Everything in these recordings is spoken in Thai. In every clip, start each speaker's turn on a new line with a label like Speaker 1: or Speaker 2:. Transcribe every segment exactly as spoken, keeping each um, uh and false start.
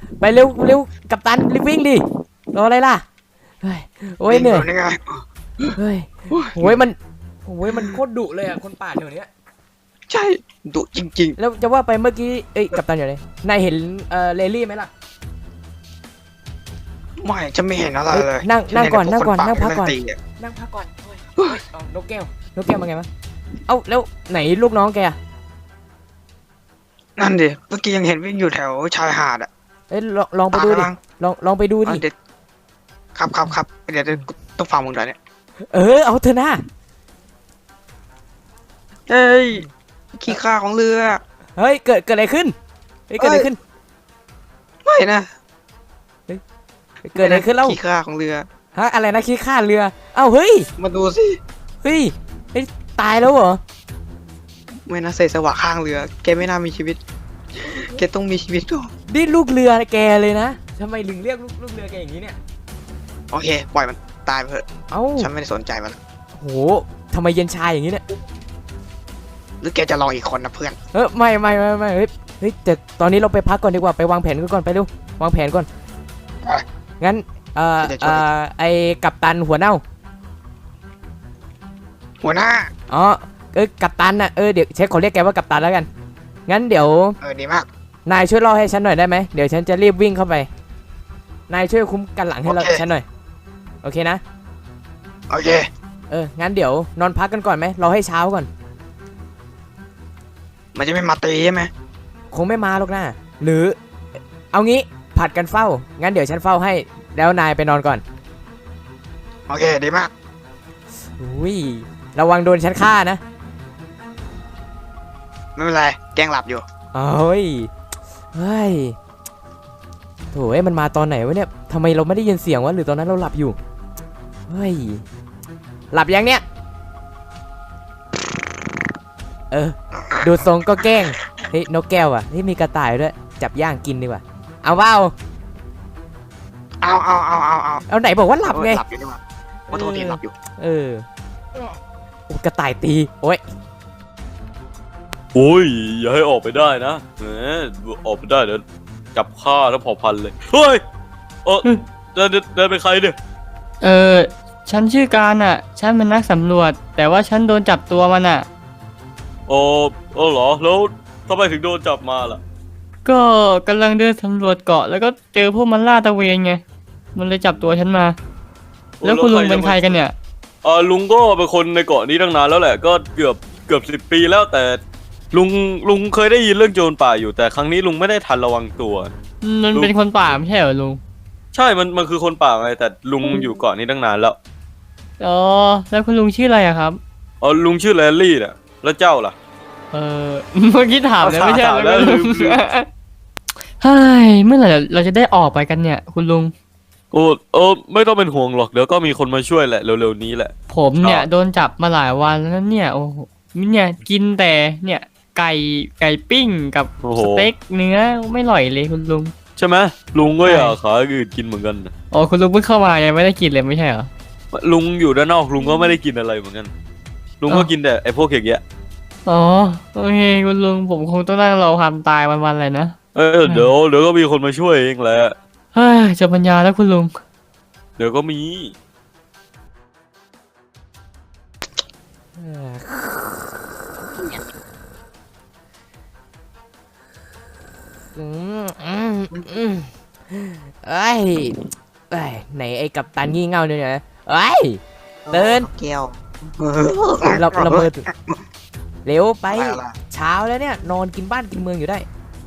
Speaker 1: ไปเร็วเร็วกัปตันรีบวิ่งดิรออะไรล่ะเฮ้ยโอ้ยเหนื่อยเฮ้ยโอ้ยมันโอ้ยมันโคตรดุเลยอ่ะคนป่าแถวเนี้ย
Speaker 2: ใช่ดุจริง
Speaker 1: ๆแล้วจะว่าไปเมื่อกี้เอ้ยกัปตันอยู่ไหนนายเห็นเอ่อเลลี่ไหมล่ะ
Speaker 2: ไม่จะไม่เห็นอะไรเลย
Speaker 1: นั่งนั่งก่อนนั่งก่อนนั่งพักก่อนนั่งพักก่อนโอ้ยนกแก้วนกแก้วมาไงวะเอ้าแล้วไหนลูกน้องแก
Speaker 2: นั่นดิเมื่อกี้ยังเห็นวิ่งอยู่แถวชายหาดอ่ะ
Speaker 1: เอ้ยลองลองไปดูดิลองลองไปดูดิ
Speaker 2: ครับครับครับเดี๋ยวต้องฟังมึงหน่อยเนี่ย
Speaker 1: เออเอาเถอะนะ
Speaker 2: เฮ้ยขี้ข้าของเรือ
Speaker 1: เฮ้ยเกิดเกิดอะไรขึ้นเฮ้ยเกิดอะไรขึ้น
Speaker 2: ไม่นะ
Speaker 1: เกิดอะไรขึ้นเล่า
Speaker 2: ขี้ข้าของเรือ
Speaker 1: ฮะอะไรนะขี้ข้าเรือเอ้าเฮ้ย
Speaker 2: มาดูสิ
Speaker 1: เฮ้ยเฮ้ยตายแล้วเหรอ
Speaker 2: ไม่นะเศษสวะข้างเรือแกไม่น่ามีชีวิตแกต้องมีชีวิตก่อน
Speaker 1: นี่ลูกเรือแกเลยนะทำไมถึงเรียกลูกลูกเรือแกอย่างนี้เนี่ย
Speaker 2: โอเคปล่อยมันตายไปเถอะ
Speaker 1: เอ้า
Speaker 2: ฉันไม่ได้สนใจมัน
Speaker 1: โหทำไมเย็นชายอย่างนี้เนี่ย
Speaker 2: หรือแกจะลองอีกคนนะเพื่อน
Speaker 1: เออไม่ไม่ไม่ไม่เฮ้ยเฮ้ยแต่ตอนนี้เราไปพักก่อนดีกว่าไปวางแผนกันก่อนไปเร็ววางแผนก่อนงั้นเอ่อเอ่อไอกัปตันหัวเน่า
Speaker 2: หัวหน้า
Speaker 1: อ๋อเออกัปตันน่ะเออเดี๋ยวเช็คขอเรียกแกว่ากัปตันแล้วกันงั้นเดี๋ยว
Speaker 2: เออดีมาก
Speaker 1: นายช่วยเล่าให้ฉันหน่อยได้ไหมเดี๋ยวฉันจะรีบวิ่งเข้าไปนายช่วยคุ้มกันหลังให้เราฉันหน่อยโอเคนะ
Speaker 2: โอเค
Speaker 1: เอองั้นเดี๋ยวนอนพักกันก่อนไหมเราให้เช้าก่อน
Speaker 2: มันจะไม่มาตีใช่ไหม
Speaker 1: คงไม่มาหรอกนะหรือเอางี้ผัดกันเฝ้างั้นเดี๋ยวฉันเฝ้าให้แล้วนายไปนอนก่อน
Speaker 2: โอเคดีมาก
Speaker 1: อุ้ยระวังโดนฉันฆ่านะ
Speaker 2: ไม่เป็นไรแกล้งหลับอยู่
Speaker 1: เอ้ยเฮ้ยโถ่เอ้ยมันมาตอนไหนวะเนี่ยทำไมเราไม่ได้ยินเสียงวะหรือตอนนั้นเราหลับอยู่เฮ้ยหลับยังเนี่ยเออดูทรงก็แกล้งเฮ้ยนกแก้วอ่ะนี่มีกระต่ายด้วยจับย่างกินดีกว่าเอาเปล่า
Speaker 2: เอาเอาเอาเอาเอา
Speaker 1: เอาไหนบอกว่าหลับไง
Speaker 2: หลับอยู่นี่หว่าว่าโทษทีหลับอยู่
Speaker 1: เออโอ้กระต่ายตีโอ้ย
Speaker 3: โอ้ยอย่าให้ออกไปได้นะแหมออกไปได้เดี๋ยวจับฆ่าทั้งเผ่าพันธุ์เลยเฮ้ยเออเดินเดินเป็นใครเนี่ย
Speaker 4: เออฉันชื่อการอ่ะฉันเป็นนักสำรวจแต่ว่าฉันโดนจับตัวมันอ่ะ
Speaker 3: โอ้โอ้เหรอแล้วทำไมถึงโดนจับมาล่ะ
Speaker 4: ก็กำลังเดินสำรวจเกาะแล้วก็เจอพวกมันล่าตะเวนไงมันเลยจับตัวฉันมาแล้วคุณลุงเป็นใครกันเนี่ย
Speaker 3: เออลุงก็เป็นคนในเกาะนี้ตั้งนานแล้วแหละก็เกือบเกือบสิบปีแล้วแต่ลุงลุงเคยได้ยินเรื่องโจรป่าอยู่แต่ครั้งนี้ลุงไม่ได้ทันระวังตัว
Speaker 4: มันเป็นคนป่าไม่ใช่เหรอลุง
Speaker 3: ใช่มันมันคือคนป่าไงแต่ลุงอยู่เกาะนี้ตั้งนานแล้ว
Speaker 4: อ๋อแล้วคุณลุงชื่ออะไรอะครับ
Speaker 3: อ๋อลุงชื่อแลลี่น่ะแล้วเจ้าล่ะ
Speaker 4: เออเมื่อกี้ถามแล้วไม่ใช่แล้วเฮ้ยเมื่อไหร่เราจะได้ออกไปกันเนี่ยคุณลุง
Speaker 3: โอ้เออไม่ต้องเป็นห่วงหรอกเดี๋ยวก็มีคนมาช่วยแหละเร็วๆนี้แหละ
Speaker 4: ผมเนี่ยโดนจับมาหลายวันแล้วเนี่ยโอ้โหเนี่ยกินแต่เนี่ยไก่ไก่ปิ้งกับสเต็กเนื้อไม่อร่อยเลยคุณลุง
Speaker 3: ใช่ไหมลุงก็อยากขาอื่นกินเหมือนกัน
Speaker 4: อ๋อคุณลุงเพิ่งเข้ามายังไม่ได้กินเลยไม่ใช่เหรอ
Speaker 3: ลุงอยู่ด้านนอกลุงก็ไม่ได้กินอะไรเหมือนกันลุงก็กินแต่ไอ้พวกอย่างเงี้ย
Speaker 4: อ๋อโอเคคุณลุงผมคงต้องนั่งรอความตายวันๆเลยนะ
Speaker 3: เออเดี๋ยวเดี๋ยวก็มีคนมาช่วยเองแหละ
Speaker 4: เฮ้ยจะปัญญาแล้วคุณลุง
Speaker 3: เดี๋ยวก็มี
Speaker 1: อืมอืมอืมเอ้ยเอ้ยไหนไอ้กัปตันงี่เง่าเนี่ยนะเอ้ยเดิน
Speaker 2: เกี่ยว
Speaker 1: เราเราเบิดเร็วไปเช้าแล้วเนี่ยนอนกินบ้านกินเมืองอยู่ได้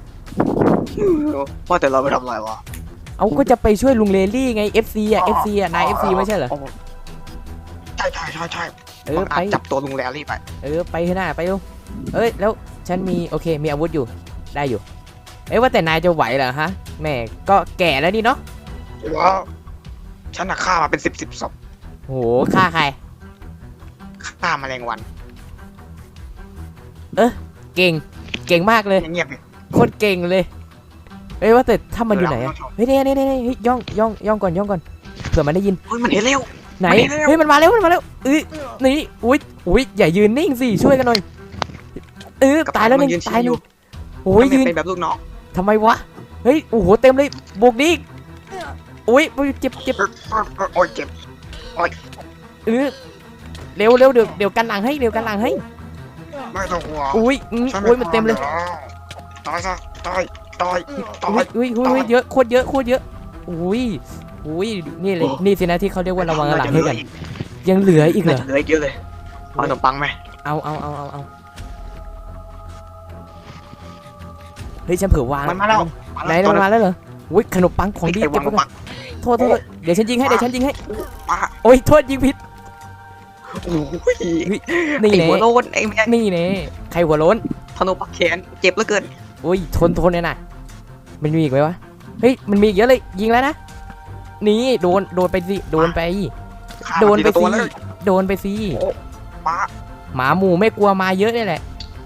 Speaker 2: ว่าแต่เราไปทำอะไรวะ
Speaker 1: เอาก็จะไปช่วยลุงเลลี่ไง เอฟ ซี อ่ะ เอฟ ซี อ่ะนาย เอฟ ซี ไม่ใช่เหรอ
Speaker 2: ใช่ใช่ใช่ใช่
Speaker 1: เออไป
Speaker 2: จับตัวลุงเลลี่ไป
Speaker 1: เออไปเถอะนะไปดูเอ้ยแล้วฉันมีโอเคมีอาวุธอยู่ได้อยู่เอ้ยว่าแต่นายจะไหวเหรอฮะแม่ก็แก่แล้วนี่เนาะ
Speaker 2: ว้าวฉันน่ะฆ่ามาเป็นสิบสิบศพ
Speaker 1: โหฆ่าใคร
Speaker 2: ฆ่าแมลงวัน
Speaker 1: เออเก่งเก่งมากเลย
Speaker 2: เงียบ
Speaker 1: โคตรเก่งเลยเอ้ยว่าแต่ถ้ามันอยู่ไหนอะเฮ้ยเนี่ยเนี่ยเนี่ยเฮ้ยย่องย่องย่องก่อนย่องก่อนเผื่อมันได้ยิน
Speaker 2: เฮ้ยมันเห็นเร็ว
Speaker 1: ไหนเฮ้ยมันมาเร็วมันมาเร็วเอ้ยนี่อุ้ยอุ้ยอย่ายืนนิ่งสิช่วยกันหน่อยเออตายแล้วนึงตายนึงโอ้ยยืน
Speaker 2: เป็นแบบลูกน้อง
Speaker 1: ทำไมวะเฮ้ยโอ้โหเต็มเลยบวกดิอุ้ยเจ็บเจ็บ
Speaker 2: โอ้ยเจ็บ
Speaker 1: เออเร็วเร็วเดี๋ยวเดี๋ยวกันหลังให้เดี๋ยวกันหลังให้
Speaker 2: ไม่ต้องห่วง
Speaker 1: อุ้ยอืมอุ้ยมันเต็มเลย
Speaker 2: ตายซะตายตายตา
Speaker 1: อุ้
Speaker 2: ย
Speaker 1: ยอุ้ยอุ้ยอุ้ยเยอะโคตรเยอะโคตรเยอะอุ้ยอุ้ยนี่เลยนี่สินะที่เขาเรียกว่าระวังหลังให้กันยังเหลืออีกเหร
Speaker 2: น่า
Speaker 1: อ
Speaker 2: จะเหลืออีกเยอะเลยเอาขนมปังไหม
Speaker 1: เอาเอาเอาเอาเอาเฮ้ยฉันเผื่อวาง
Speaker 2: มันมาแล้ว
Speaker 1: ไหนมันมาแล้วเหรออุ้ยขนมปังของดี
Speaker 2: ไอ้
Speaker 1: เก็บ
Speaker 2: วาง
Speaker 1: ไว้ก่
Speaker 2: ปั
Speaker 1: อง นโทษโทษเดี๋ยวฉันยิงให้เดี๋ยวฉันยิงให้
Speaker 2: ป้า
Speaker 1: โอ้ยโทษยิงผิด
Speaker 2: โอ้ย
Speaker 1: นี่
Speaker 2: ไอ้
Speaker 1: เน่
Speaker 2: หัวโลนไอ้แม่
Speaker 1: นี่เน่ใครหัวโล้น
Speaker 2: ขนมปังแขนเจ็บเหลือเกิน
Speaker 1: อุ้ยทนทนเลยนะมันมีอีกไหมวะเฮ้ยมันมีอีกเยอะเลยยิงแล้วนะนี่โดนโดนไปสิโดนไป
Speaker 2: ฆ่า
Speaker 1: โดนไป
Speaker 2: มัทีละตัว
Speaker 1: สิ
Speaker 2: เลย
Speaker 1: โดนไปสิ
Speaker 2: ป้า
Speaker 1: หมาหมูไม่กลัวมาเยอะนี่แหละ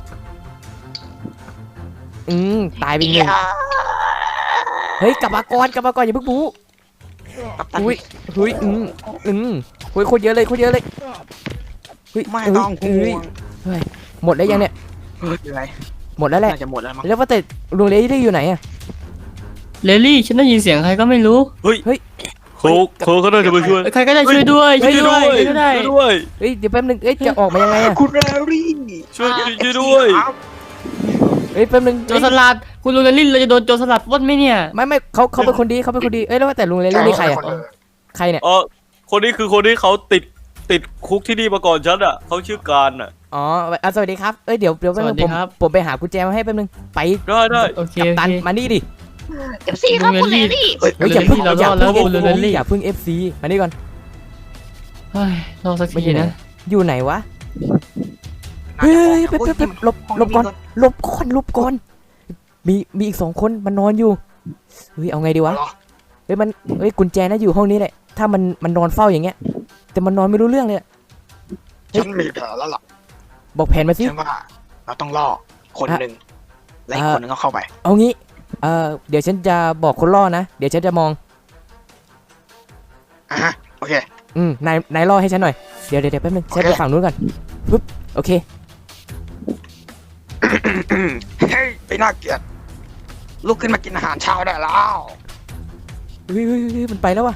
Speaker 1: อืมตายไปอีกหนึ่งเฮ้ยกลับมาก่อนกลับมาก่อนอย่าเพิ่งบู๊
Speaker 2: กัปตัน
Speaker 1: อุ้ยเฮ้ยอืมอืมเฮ้ยโคตรเยอะเลยโคตรเยอะเลยเฮ้ย
Speaker 2: ไม่ต้องห่
Speaker 1: เฮ้ยว
Speaker 2: ง
Speaker 1: หมดแล้วยังเนี่ย
Speaker 2: เฮ้ยอะไร
Speaker 1: หมดแล้วแหละ
Speaker 2: น่าจะหมดแล้วมั้ง
Speaker 1: แล้วว่าแต่ลุงเลดี้อยู่ไหนอะ
Speaker 4: เลลี่ฉันได้ยินเสียงใครก็ไม่รู้
Speaker 3: โคโคเขาน่าจะมาช่วย
Speaker 4: ใครก็ได้ช่วยด้วยช่วยด้วยช่วยด้วย
Speaker 3: ช่วยด้วย
Speaker 1: เฮ้ยเดี๋ยวแป๊บนึงเอ้ยจะออกมายังไงอะ
Speaker 2: คุณแรรี่
Speaker 3: ช่วยช่วยด้วย
Speaker 2: ครับ
Speaker 1: เฮ้ยแป๊บนึง
Speaker 4: โจรสลัดคุณลุงเลลี่เราจะโดนโจรสลัดปล้นไหมเนี่ย
Speaker 1: ไม่ไม่เขาเขาเป็นคนดีเขาเป็นคนดีเอ้ยแล้วว่าแต่ลุงเลดี้นี่ใครอะใครเนี่ย
Speaker 3: เออคนนี้คือคนที่เขาติดติดคุกที่นี่มาก่อนฉันอ่ะเขาชื่อการอ่ะ
Speaker 1: อ๋ออ่ะสวัสดีครับเอ้ยเดี๋ยวเดี๋ยวแป๊บนึงผมผมไปหากุญแจมาให้แป๊บนึงไป
Speaker 3: ได้ได้
Speaker 4: โอเค
Speaker 1: กัป
Speaker 4: โอ
Speaker 1: ตัน
Speaker 4: เค
Speaker 1: มานี่ดิ
Speaker 2: เอฟซีครับคุณแรรี่
Speaker 1: เฮ้ย
Speaker 4: ลุง
Speaker 1: อย่าเพิ่ง
Speaker 4: เลลี่
Speaker 1: อย่า
Speaker 4: เรารอดแล้ว
Speaker 1: เพิ่ง
Speaker 4: คุณลุงเลลี่
Speaker 1: อย่าเพิ่งเอฟซีมานี่ก่อน
Speaker 4: เฮ้ยรอสักทีนะ
Speaker 1: อยู่ไหนวะเฮ้ยเป๊บเป๊บเป๊บหลบหลบก่อนหลบก่อนหลบก่อนมีมีอีกสองคนมันนอนอยู่เฮ้ยเอาไงดีวะเฮ้ยมันเฮ้ยกุญแจน่าอยู่ห้องนี้แหละถ้ามันมันนอนเฝ้าอย่างเงี้ยแต่มันนอนไม่รู้เรื่องเลยอะ
Speaker 2: ฉันมีแผนแล้วล่ะ
Speaker 1: บอกแผนมาสิ
Speaker 2: ฉันว่าเราต้องล่อคนหนึ่งและอีก
Speaker 1: อ่ะ
Speaker 2: คนหนึ่งก็เข้าไป
Speaker 1: เอางี้เอ่อเดี๋ยวฉันจะบอกคนล่อนะเดี๋ยวฉันจะมอง
Speaker 2: อ่ะฮะโอเค
Speaker 1: อืมนายนายล่อให้ฉันหน่อยเดี๋ยวเดี๋ยวเดี๋ยวแป๊บนึงฉันไปฝั่งนู้นก่อนปึ๊บโอเค
Speaker 2: เฮ้ยไอ้น่าเกลียดลุกขึ้นมากินอาหารเช้าได้แล้ว
Speaker 1: เฮ้ยเฮ้ยเฮ้ยมันไปแล้ววะ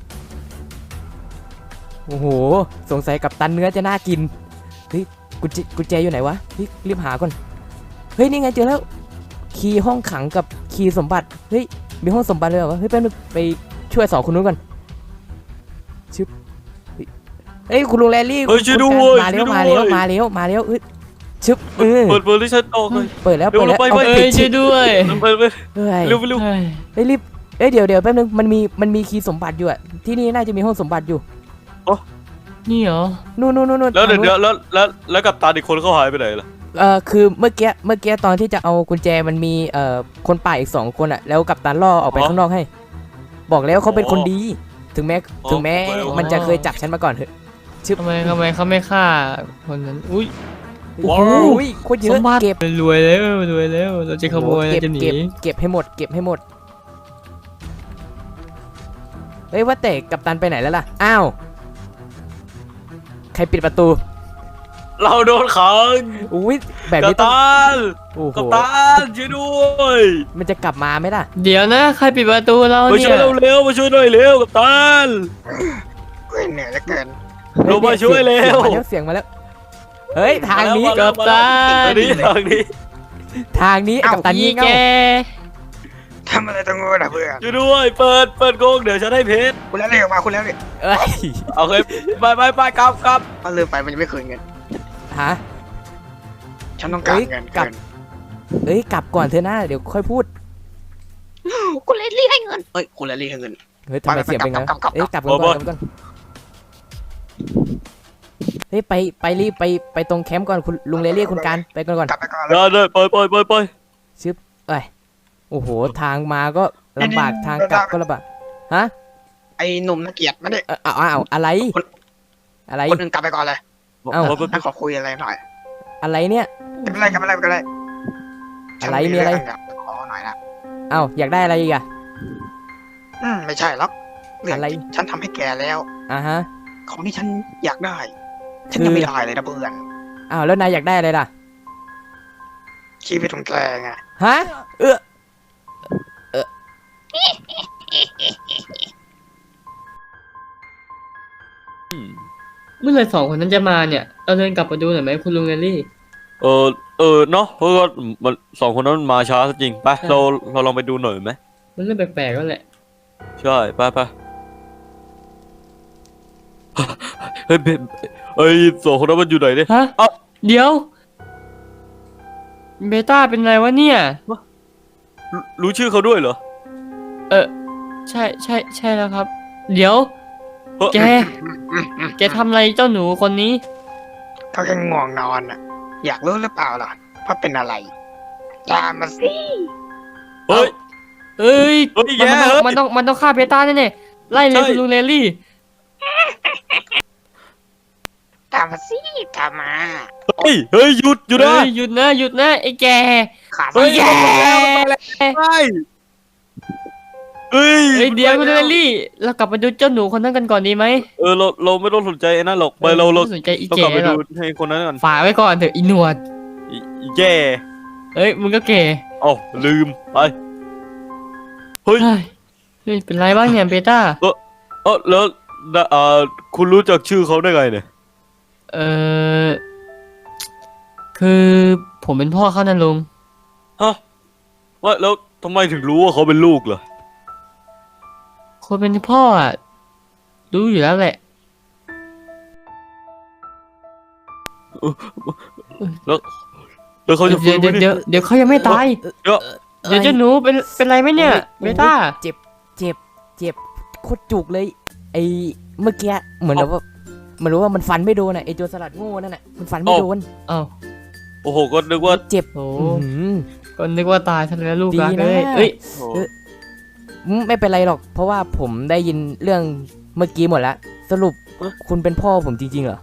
Speaker 1: โอ้โหสงสัยกับตันเนื้อจะน่ากินเฮ้ยกุญแจกุญแจอยู่ไหนวะเฮ้ยรีบหาก่อนเฮ้ยนี่ไงเจอแล้วคีย์ห้องขังกับคีย์สมบัติเฮ้ยมีห้องสมบัติเลยเหรอวะเฮ้ยแป๊บนึงไปช่วยสองคนนู้นก่อนชึบเฮ้ยเฮ้ยคุณลุงแรลลี่
Speaker 3: เฮ้ยช่วย
Speaker 1: คุณ
Speaker 3: ด้วย
Speaker 1: มาเร็ว
Speaker 3: ช่วย
Speaker 1: มาเร็ว
Speaker 3: ด้วย
Speaker 1: มาเร็วมาเร็วเอ้ยชึบเออ
Speaker 3: เปิดเปิดที่ฉันออกเลย
Speaker 1: เปิดแล้ว
Speaker 3: เร็ว
Speaker 1: เปิดแล้ว
Speaker 3: ไป
Speaker 1: เอา
Speaker 3: ไป
Speaker 4: เอ้
Speaker 1: ปิ
Speaker 4: ย
Speaker 1: ด
Speaker 4: ช่วยด้วย
Speaker 3: เปิดเปิด
Speaker 1: เฮ้ย
Speaker 3: เร็วเร็ว
Speaker 4: เฮ้ย
Speaker 1: เฮ้ยรีบเอ้ยเดี๋ยวเดี๋ยวแป๊บนึงมันมีมันมีคีย์สมบัติอยู่อะที่นี่น่าจะมีห้องสมบัติอยู่
Speaker 4: นี่เหรอ
Speaker 1: นู่นนู่นนู่นนู่น
Speaker 3: แล้วเดี๋ยว
Speaker 1: ทางนู้น
Speaker 3: แล้วแล้วแล้วกับตาอีกคนเขาหายไปไหนล่ะ
Speaker 1: เอ่อคือเมื่อกี้เมื่อกี้ตอนที่จะเอากุญแจมันมีเอ่อคนป่าอีกสองคนอะแล้วกัปตันล่อออกไปข้างนอกให้ บอกแล้วเขาเป็นคนดี ถึงแม้ถึงแม้มันจะเคยจับฉันมาก่อนเถอะ
Speaker 4: ทำไมทำไมเขาไม่ฆ่าคนนั้นอุ้ย
Speaker 1: โอ้โหโคตรเย
Speaker 4: ส
Speaker 1: อะ
Speaker 4: มบัติ
Speaker 1: เก็บ
Speaker 4: รวยแล้วรวยแล้วเราจะขโมย
Speaker 1: เก็บ
Speaker 4: เราจะหนี
Speaker 1: เก็บเก็บให้หมดเก็บให้หมดเฮ้ยว่าแต่กัปตันไปไหนแล้วล่ะอ้าวใครปิดประตู
Speaker 3: เราโดนขัง
Speaker 1: อุ้ยแบบ
Speaker 3: กั
Speaker 1: นี้
Speaker 3: ป
Speaker 1: ต้อง
Speaker 3: ตัน
Speaker 1: โอ้โห
Speaker 3: กัปตันช่วยด้วย
Speaker 1: มันจะกลับมาไหมล่ะ
Speaker 4: เดี๋ยวนะใครปิดประตูเรา
Speaker 3: มา
Speaker 4: เนี่
Speaker 3: ช่วย
Speaker 4: ย
Speaker 3: เราเร็วมาช่วยหน่อยเร็วกัปตัน
Speaker 2: เฮ้ยเหนื่อยเหลือเกิน
Speaker 3: ลงมาช่วยเร็ว
Speaker 1: เสียงมาแล้วเสียงมาแล้วเฮ้ยทางนี้
Speaker 3: มาแล้
Speaker 4: กั
Speaker 3: ว
Speaker 4: ปตั
Speaker 3: ทาง
Speaker 4: น
Speaker 3: นี้ทางนี้
Speaker 1: ทางนี้ไอ้กัปตัน
Speaker 4: อี
Speaker 1: นี่
Speaker 4: แก
Speaker 1: เง่า
Speaker 2: ทำอะไรตรงนู้นนะเพื่อน
Speaker 3: ช่วยด้วยเปิดเปิดโกงเดี๋ยวฉันให้เพชร
Speaker 2: คุณแล้วเรียกมาคุณแล้วเนี่ย
Speaker 1: เอ้ย
Speaker 3: เอาเคยไปไปไปกลับกลับ
Speaker 2: มันลืมไปมันยังไม่คืนเงิน
Speaker 1: ฮะ
Speaker 2: ฉันต้องการ
Speaker 1: เฮ้ย
Speaker 2: เงิน
Speaker 1: กลับ
Speaker 2: เกิน
Speaker 1: เอ้ยกลับก่อนเธอหน้าเดี๋ยวค่อยพูด
Speaker 2: คุณเลยเรียกให้เงินเอ้ยคุณเลยเรียกให้เงิน
Speaker 1: เฮ้ยทำไม
Speaker 2: ไปไป
Speaker 1: เสียงเป็นไง
Speaker 2: กลับกลับกลับ
Speaker 1: เอ้ยกลับก่อนกลับก่อนเฮ้ยไปไปรีบไปไปตรงแคมป์ก่อนคุณลุงเลเรียกคุณการไปก่อนก่อน
Speaker 2: กลับไปก่อนเลย
Speaker 3: ได้เลยไปไปไปไป
Speaker 1: เอ้ยโอ้โหทางมาก็ลำบากทางกลับก็ลำบากฮะ
Speaker 2: ไอ้หนุ่มน่าเกลียดมาดิ
Speaker 1: เอ้าเอาเอาอะไร อะไร
Speaker 2: คนอื่นกลับไปก่อนเลย
Speaker 1: เอ้า
Speaker 2: ฉันขอคุยอะไรหน่อย
Speaker 1: อะไรเนี่ย
Speaker 2: ไม่เป็นไรไม่เป็นไรไม่เป็นไร
Speaker 1: อะไรมีอะไร
Speaker 2: ฉันเงขอหน่อยนะ
Speaker 1: เอ้าอยากได้อะไรอีกอะ
Speaker 2: อืมไม่ใช่หรอกเรื่อง
Speaker 1: อะไร
Speaker 2: ฉันทำให้แกแล้ว
Speaker 1: อ่าฮะ
Speaker 2: ของที่ฉันอยากได้ ฉัน
Speaker 1: คือ
Speaker 2: ยังไม่ได้เลยนะเพื่อน
Speaker 1: อ้าวแล้วนายอยากได้อะไรล่ะ
Speaker 2: ชีวิตของแกไง
Speaker 1: ฮะเออเออ
Speaker 4: มื่อไหร่สองคนนั้นจะมาเนี่ยเราเดินกลับมาดูหน่อยไหมคุณลุงเรลลี่
Speaker 3: เออเออเนาะเพราะว่ามันสองคนนั้นมันมาช้าจริงไป
Speaker 4: ใช่
Speaker 3: เราเราลองไปดูหน่อยไหม
Speaker 4: มันเริ่มแปลกๆแล้วแหละ
Speaker 3: ใช่ไปไปเฮ้ยเบเอ้ยสองคนนั้นมันอยู่ไหนเนี่ย
Speaker 4: ฮะ
Speaker 3: เอ้า
Speaker 4: เดี๋ยวเบต้าเป็นไรวะเนี่ย
Speaker 3: รู้รู้ชื่อเขาด้วยเหรอ
Speaker 4: เออใช่ใช่ใช่แล้วครับ เดี๋ยว
Speaker 3: เอ้อ
Speaker 4: แก แกทำอะไรเจ้าหนูคนนี้
Speaker 2: เขาแค่ง่วงนอนอ่ะ อยากรู้หรือเปล่าล่ะว่าเป็นอะไรตามมาสิ
Speaker 3: เฮ้ย
Speaker 4: เอ้ย
Speaker 3: เฮ้ย
Speaker 4: มัน
Speaker 3: แย่
Speaker 4: มัน
Speaker 3: เฮ้ย
Speaker 4: ต้องมันต้องมันต้องฆ่าเบต้าแน่ๆไล่เลย
Speaker 3: ใช่
Speaker 4: คุณลุงเรลลี่
Speaker 2: ตามมาสิตามมา
Speaker 3: เฮ้ยเฮ้ยหยุดหยุดนะ
Speaker 4: เฮ้ยหยุดนะหยุดนะไอ้แก
Speaker 2: ขา
Speaker 3: เฮ้ย
Speaker 2: แย่
Speaker 3: ใช่เฮ้ย
Speaker 4: เฮ้ยเดี๋ยวคุณลุงเรลลี่ เรากลับไปดูเจ้าหนูคนนั้นกันก่อนดีไหม
Speaker 3: เออเราเราไม่ต้องสนใจไอ้นั่นหรอกไปเราเรา
Speaker 4: ไม่สนใจอี
Speaker 3: เรา
Speaker 4: แก
Speaker 3: กลับไป
Speaker 4: หร
Speaker 3: ดู
Speaker 4: อก
Speaker 3: ให้คนนั้นก่อน
Speaker 4: ฝากไว้ก่อนเถอะอีหนวด
Speaker 3: อีอีแย่
Speaker 4: เอ้ยมึงก็แก่
Speaker 3: เอ้าลืมไปเฮ้ย
Speaker 4: เฮ้ยเฮ้ยเป็นไรบ้างเนี่ยเบต้า
Speaker 3: เออแล้วนะอ่าคุณรู้จักชื่อเขาได้ไงเนี่ย
Speaker 4: เออคือผมเป็นพ่อเขานะลุง
Speaker 3: ฮะว่าแล้วทำไมถึงรู้ว่าเขาเป็นลูกเหรอ
Speaker 4: คนเป็นพ่ออ่ะรู้อยู่แล้วแหละ
Speaker 3: แล้วแล้วเขาจะ
Speaker 4: เดี๋
Speaker 3: ฟื้
Speaker 4: ยวน
Speaker 3: ไหม
Speaker 4: เดี๋ยว
Speaker 3: เนี่
Speaker 4: เดี๋ยวย เดี๋ยวเขายังไม่ตาย
Speaker 3: เดี๋ยว
Speaker 4: เดี๋ยวเจ้าหนูเป็นเป็นไรไหมเนี่ยเบต้า
Speaker 1: เจ็บเจ็บเจ็บโคตรจุกเลยไอเมื่อกี้เหมือนแบบว่าเหมันรู้ว่ามันฟันไม่โดนอ่ะไอโจรสลัดโง่นั่นน่ะมันฟันไม่โดน
Speaker 4: อ้าว
Speaker 3: โอ้โหก็นึกว่า
Speaker 1: เจ็บ
Speaker 4: โอ้
Speaker 1: อื้อหือ
Speaker 4: ก็นึกว่าตายซะแล้วลูก
Speaker 1: ดี
Speaker 4: รัก
Speaker 1: นะ
Speaker 4: เลยเอ้ย
Speaker 3: โอ้โห
Speaker 1: อืมไม่เป็นไรหรอก เพราะว่าผมได้ยินเรื่องเมื่อกี้หมดแล้วสรุปคุณเป็นพ่อผมจริงๆเหรอ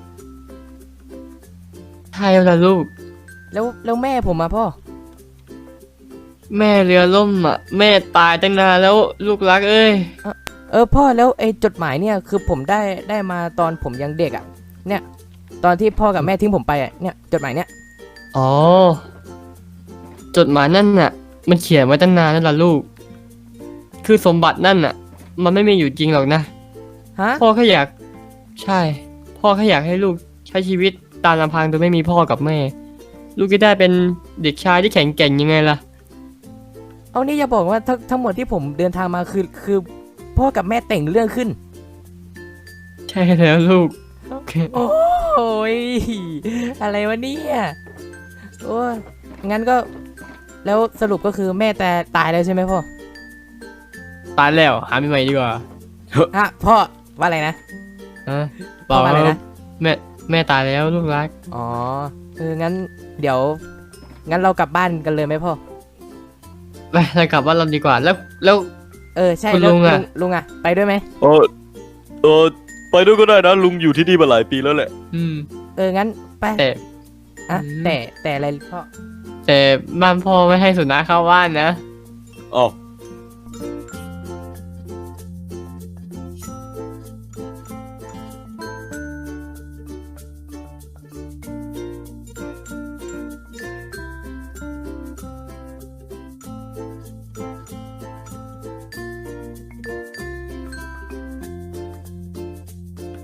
Speaker 4: ใช่แล้วล่ะลูก
Speaker 1: แล้วแล้วแม่ผมมาพ่อ
Speaker 4: แม่เรือล่มอ่ะ แม่ตายตั้งนานแล้วลูกรักเอ้ย
Speaker 1: เออพ่อแล้วไอ้จดหมายเนี่ยคือผมได้ได้มาตอนผมยังเด็กอ่ะ เนี่ย ตอนที่พ่อกับแม่ทิ้งผมไปอ่ะเนี่ยจดหมายเนี่ย
Speaker 4: อ๋อ จดหมายนั่นน่ะ มันเขียนไว้ตั้งนานแล้วล่ะลูก คือสมบัตินั่นน่ะ มันไม่มีอยู่จริงหรอกนะ
Speaker 1: ฮะ
Speaker 4: พ่อแค่อยาก ใช่ พ่อแค่อยากให้ลูกใช้ชีวิตตามลำพังโดยไม่มีพ่อกับแม่ ลูกจะได้เป็นเด็กชายที่แข็งแกร่งยังไงล่ะ
Speaker 1: เอานี่อย่าบอกว่าทั้งทั้งหมดที่ผมเดินทางมาคือคือพ่อกับแม่แต่งเรื่องขึ้น
Speaker 4: ใช่แล้วลูก
Speaker 1: โอ้ยอะไรวะเนี่ยโอ้ยงั้นก็ แล้วสรุปก็คือแม่แต่ตายแล้วใช่ไหมพ่อ
Speaker 4: ตายแล้วหาใหม่ๆดีกว่า
Speaker 1: ฮะพ่อว่าอะไรนะ
Speaker 4: ฮะ
Speaker 1: พ่อว่าอะไรนะ
Speaker 4: แม่แม่ตายแล้วลูกรัก
Speaker 1: อ๋อเอองั้นเดี๋ยว งั้นเรากลับบ้านกันเลยไหมพ่อ
Speaker 4: ไปเรากลับบ้านเราดีกว่า แล้วแล้ว
Speaker 1: เออใช่
Speaker 4: คุณ
Speaker 1: แล้ว
Speaker 4: ลุงอะ
Speaker 1: ลุงอะไปด้วยไหม
Speaker 3: เออเออไปด้วยก็ได้นะลุงอยู่ที่นี่มาหลายปีแล้วแหละ
Speaker 4: อืม
Speaker 1: เอองั้นไป
Speaker 4: แต่
Speaker 1: อะ
Speaker 4: อืม
Speaker 1: แต่แต่อะไรพ่อ
Speaker 4: แต่บ้านพ่อไม่ให้สุนัขเข้าบ้านนะ
Speaker 3: อ๋อ